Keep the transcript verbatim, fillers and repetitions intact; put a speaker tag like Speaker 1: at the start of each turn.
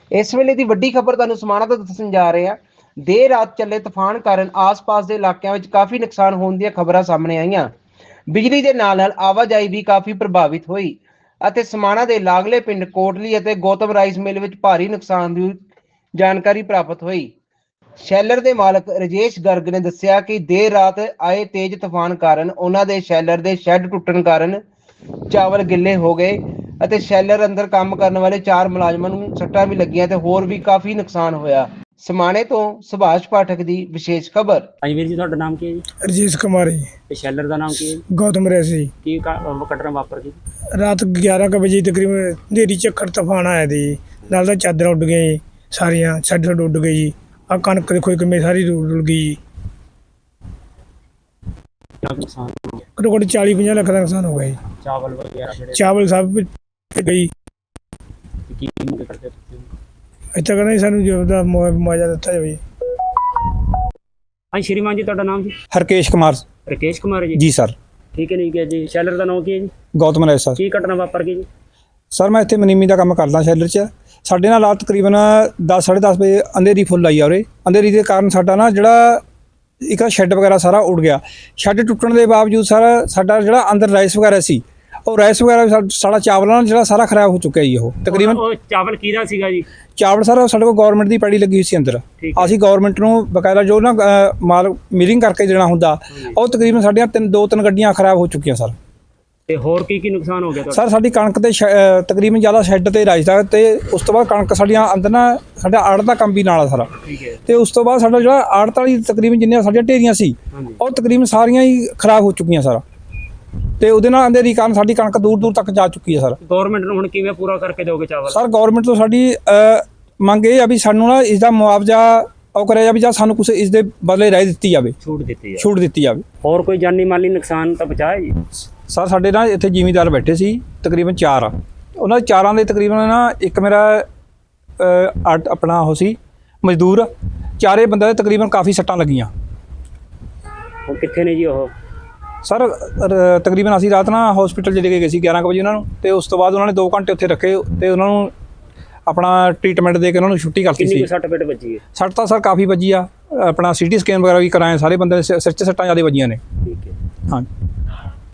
Speaker 1: इस वेले की वड्डी खबर तुहानूं समाणा तो दस्सण जा रहे हैं। देर रात चले तूफान कारण आस पास के इलाकों में काफ़ी नुकसान होने दी खबरां सामने आईयां। बिजली के नाल नाल आवाजाही भी काफ़ी प्रभावित हुई ਅਤੇ समाणा के लागले पिंड कोटली ਅਤੇ गौतम राइस मिल में भारी नुकसान की जानकारी प्राप्त हुई। शैलर के मालक राजेश गर्ग ने दस्सिया कि देर रात आए तेज तूफान कारण उन्होंने शैलर के शैड टुटन कारण चावल गिले हो गए ਅਤੇ शैलर अंदर काम करने वाले चार मुलाजमान ਨੂੰ ਸੱਟਾਂ भी ਲੱਗੀਆਂ ਤੇ ਹੋਰ ਵੀ ਕਾਫੀ ਨੁਕਸਾਨ ਹੋਇਆ। समाणे तो सुभाष पाठक की विशेष खबर।
Speaker 2: ਹਾਂਜੀ ਵੀਰ ਜੀ, ਤੁਹਾਡਾ ਨਾਮ ਕੀ ਹੈ ਜੀ?
Speaker 3: ਰਜੇਸ਼ ਕੁਮਾਰ ਜੀ।
Speaker 2: ਤੇ ਸ਼ੈਲਰ ਦਾ ਨਾਮ ਕੀ ਹੈ ਜੀ?
Speaker 3: ਗੌਤਮ ਰੈਸ ਜੀ।
Speaker 2: ਕੀ ਘਟਨਾ ਵਾਪਰ ਗਈ?
Speaker 3: ਰਾਤ ਗਿਆਰਾਂ ਕੁ ਵਜੇ ਤਕਰੀਬਨ ਹਨੇਰੀ ਝੱਖੜ ਤੂਫਾਨ ਆਇਆ ਦੀ ਜੀ। ਨਾਲ ਤਾਂ ਚਾਦਰਾਂ ਉੱਡ ਗਈਆਂ ਜੀ, ਸਾਰੀਆਂ ਛੱਡ ਛੱਡ ਉੱਡ ਗਈ ਜੀ। ਆ ਕਣਕ ਦੇਖੋ ਕਿਵੇਂ ਸਾਰੀ ਰੁੜ ਗਈ ਜੀ।
Speaker 2: ਕਿੰਨਾ ਕੁ ਨੁਕਸਾਨ ਹੋ ਗਿਆ?
Speaker 3: ਘੱਟੋ ਘੱਟ ਚਾਲੀ ਪੰਜਾਹ ਲੱਖ ਦਾ ਨੁਕਸਾਨ ਹੋ ਗਿਆ ਜੀ।
Speaker 2: ਚਾਵਲ ਵਗੈਰਾ ਜਿਹੜੇ
Speaker 3: ਚਾਵਲ ਸਭ ਗਈ।
Speaker 2: ਤੇ ਕੀ ਮੰਗ ਕਰਦੇ ਤੁਸੀਂ?
Speaker 3: ਇੱਥੇ ਕਹਿੰਦਾ ਜੀ ਸਾਨੂੰ ਜੋ ਦਾ ਮੁਆਵਜ਼ਾ ਦਿੱਤਾ ਜਾਵੇ।
Speaker 2: ਹਾਂਜੀ ਸ਼੍ਰੀਮਾਨ ਜੀ, ਤੁਹਾਡਾ ਨਾਮ ਜੀ?
Speaker 4: हरकेश कुमार
Speaker 2: ਰਕੇਸ਼ ਕੁਮਾਰ ਜੀ।
Speaker 4: जी सर।
Speaker 2: ਠੀਕ ਹੈ, ਨਹੀਂ ਹੈ ਜੀ। ਸ਼ੈਲਰ ਦਾ ਨਾਮ ਕੀ ਹੈ ਜੀ?
Speaker 4: गौतम राय सर।
Speaker 2: ਕੀ ਘਟਨਾ ਵਾਪਰ ਗਈ ਜੀ?
Speaker 4: सर मैं ਇੱਥੇ ਮਨੀਮੀ ਦਾ ਕੰਮ ਕਰਦਾ ਸ਼ੈਲਰ 'ਚ। ਸਾਡੇ ਨਾਲ ਰਾਤ ਤਕਰੀਬਨ ਦਸ ਸਾਢੇ ਦਸ ਵਜੇ ਅੰਧੇਰੀ ਫੁੱਲ ਆਈ ਆ ਉਰੇ। ਅੰਧੇਰੀ ਦੇ ਕਾਰਨ ਸਾਡਾ ਨਾ ਜਿਹੜਾ ਇੱਕ ਸ਼ੈੱਡ ਵਗੈਰਾ ਸਾਰਾ ਉੱਡ ਗਿਆ। ਸ਼ੈੱਡ ਟੁੱਟਣ ਦੇ ਬਾਵਜੂਦ ਸਰ ਸਾਡਾ ਜਿਹੜਾ ਅੰਦਰ ਰਾਈਸ ਵਗੈਰਾ ਸੀ, ਉਹ ਰਾਈਸ ਵਗੈਰਾ ਵੀ ਸਾ- ਸਾਡਾ ਚਾਵਲ ਨਾਲ ਜਿਹੜਾ ਸਾਰਾ ਖਰਾਬ ਹੋ ਚੁੱਕਿਆ ਜੀ। ਉਹ ਤਕਰੀਬਨ
Speaker 2: ਉਹ ਚਾਵਲ ਕਿਹਦਾ ਸੀਗਾ ਜੀ?
Speaker 4: ਚਾਵਲ ਸਰ ਸਾਡੇ ਕੋਲ ਗਵਰਨਮੈਂਟ ਦੀ ਪੈੜੀ ਲੱਗੀ ਹੋਈ ਸੀ ਅੰਦਰ।
Speaker 2: ਠੀਕ ਹੈ।
Speaker 4: ਅਸੀਂ ਗਵਰਨਮੈਂਟ ਨੂੰ ਬਕਾਇਦਾ ਜੋ ਨਾ ਅ, ਮਾਲ ਮਿਲਿੰਗ ਕਰਕੇ ਦੇਣਾ ਹੁੰਦਾ, ਉਹ ਤਕਰੀਬਨ ਸਾਡੀਆਂ ਤਿੰਨ ਦੋ ਤਿੰਨ ਗੱਡੀਆਂ ਖਰਾਬ ਹੋ ਚੁੱਕੀਆਂ ਸਰ।
Speaker 2: ਤੇ ਹੋਰ ਕੀ ਕੀ ਨੁਕਸਾਨ ਹੋ ਗਿਆ ਤੁਹਾਡਾ?
Speaker 4: ਸਰ ਸਾਡੀ ਕਣਕ ਤੇ ਸ਼ੈ- ਅ, ਤਕਰੀਬਨ ਜ਼ਿਆਦਾ ਸ਼ੈੱਡ ਤੇ ਰਾਈਸ ਦਾ, ਤੇ ਉਸ ਤੋਂ ਬਾਅਦ ਕਣਕ ਸਾਡੀਆਂ ਅੰਦਰ ਨਾ ਸਾਡਾ ਆੜਤ ਦਾ ਕੰਮ ਵੀ ਨਾਲ ਆ ਸਾਰਾ।
Speaker 2: ਠੀਕ ਹੈ।
Speaker 4: ਤੇ ਉਸ ਤੋਂ ਬਾਅਦ ਸਾਡਾ ਜਿਹੜਾ ਆੜਤ ਵਾਲੀ ਤਕਰੀਬਨ ਜਿੰਨੀਆਂ ਸਾਡੀਆਂ ਢੇਰੀਆਂ ਸੀ,
Speaker 2: ਹਾਂਜੀ।
Speaker 4: ਉਹ ਤਕਰੀਬਨ ਸਾਰੀਆਂ ਹੀ ਖਰਾਬ ਹੋ ਚੁੱਕੀਆਂ ਸਰ। ਤੇ ਉਹਦੇ ਨਾਲ ਅੰਧੇਰੀ ਕਾਰਨ ਸਾਡੀ ਕਣਕ ਦੂਰ ਦੂਰ ਤੱਕ ਜਾ ਚੁੱਕੀ ਹੈ ਸਰ।
Speaker 2: ਗਵਰਨਮੈਂਟ ਨੂੰ ਹੁਣ ਕਿਵੇਂ ਪੂਰਾ ਕਰਕੇ ਦਿਓਗੇ ਚਾਵਲ?
Speaker 4: ਸਰ ਗਵਰਨਮੈਂਟ ਤੋਂ ਸਾਡੀ ਅ, ਮੰਗ ਇਹ ਆ ਵੀ ਸਾਨੂੰ ਨਾ ਇਸ ਦਾ ਮੁਆਵਜ਼ਾ ਉਹ ਕਰਿਆ ਜਾਵੇ, ਜਾਂ ਸਾਨੂੰ ਕੁਛ ਇਸ ਦੇ ਬਦਲੇ ਰਾਇ ਦਿੱਤੀ ਜਾਵੇ,
Speaker 2: ਛੂਟ ਦਿੱਤੀ ਹੈ।
Speaker 4: ਛੂਟ ਦਿੱਤੀ ਜਾਵੇ। ਹੋਰ
Speaker 2: ਕੋਈ ਜਾਨੀ ਮਾਲੀ ਨੁਕਸਾਨ ਤਾਂ ਬਚਾਇਆ ਜੀ?
Speaker 4: ਸਰ ਸਾਡੇ ਨਾਲ ਇੱਥੇ ਜ਼ਿਮੀਂਦਾਰ ਬੈਠੇ ਸੀ ਤਕਰੀਬਨ ਚਾਰ ਆ। ਉਹਨਾਂ ਦੇ ਚਾਰਾਂ ਦੇ ਤਕਰੀਬਨ ਨਾ ਇੱਕ ਮੇਰਾ ਅ, ਅੱਡ ਆਪਣਾ ਉਹ ਸੀ ਮਜ਼ਦੂਰ। ਚਾਰੇ ਬੰਦਿਆਂ ਦੇ ਤਕਰੀਬਨ ਕਾਫੀ ਸੱਟਾਂ ਲੱਗੀਆਂ।
Speaker 2: ਉਹ ਕਿੱਥੇ ਨੇ ਜੀ ਉਹ?
Speaker 4: ਸਰ ਰ- ਤਕਰੀਬਨ ਅਸੀਂ ਰਾਤ ਨਾ ਹਸਪੀਟਲ ਚ ਲੈ ਕੇ ਗਏ ਸੀ ਗਿਆਰਾਂ ਕੁ ਵਜੇ ਉਹਨਾਂ ਨੂੰ, ਤੇ ਉਸ ਤੋਂ ਬਾਅਦ ਉਹਨਾਂ ਨੇ ਦੋ ਘੰਟੇ ਉੱਥੇ ਰੱਖੇ ਤੇ ਉਹਨਾਂ ਨੂੰ ਆਪਣਾ ਟ੍ਰੀਟਮੈਂਟ ਦੇ ਕੇ ਉਹਨਾਂ ਨੂੰ ਛੁੱਟੀ ਕਰਤੀ
Speaker 2: ਕਿੰਨੀ
Speaker 4: ਸੀ।
Speaker 2: ਕੁ ਸੱਟ ਪੇਟ ਵੱਜੀ ਹੈ?
Speaker 4: ਸੱਟ ਤਾਂ ਸਰ ਕਾਫੀ ਵੱਜੀ ਆ। ਆਪਣਾ ਸੀ ਟੀ ਸਕੈਨ ਵਗੈਰਾ ਵੀ ਕਰਾਏ, ਸਾਰੇ ਬੰਦੇ ਦੇ ਸਿਰ 'ਚ ਸੱਟਾਂ ਜ਼ਿਆਦਾ ਵੱਜੀਆਂ ਨੇ।
Speaker 2: ਠੀਕ ਹੈ।
Speaker 4: ਹਾਂ।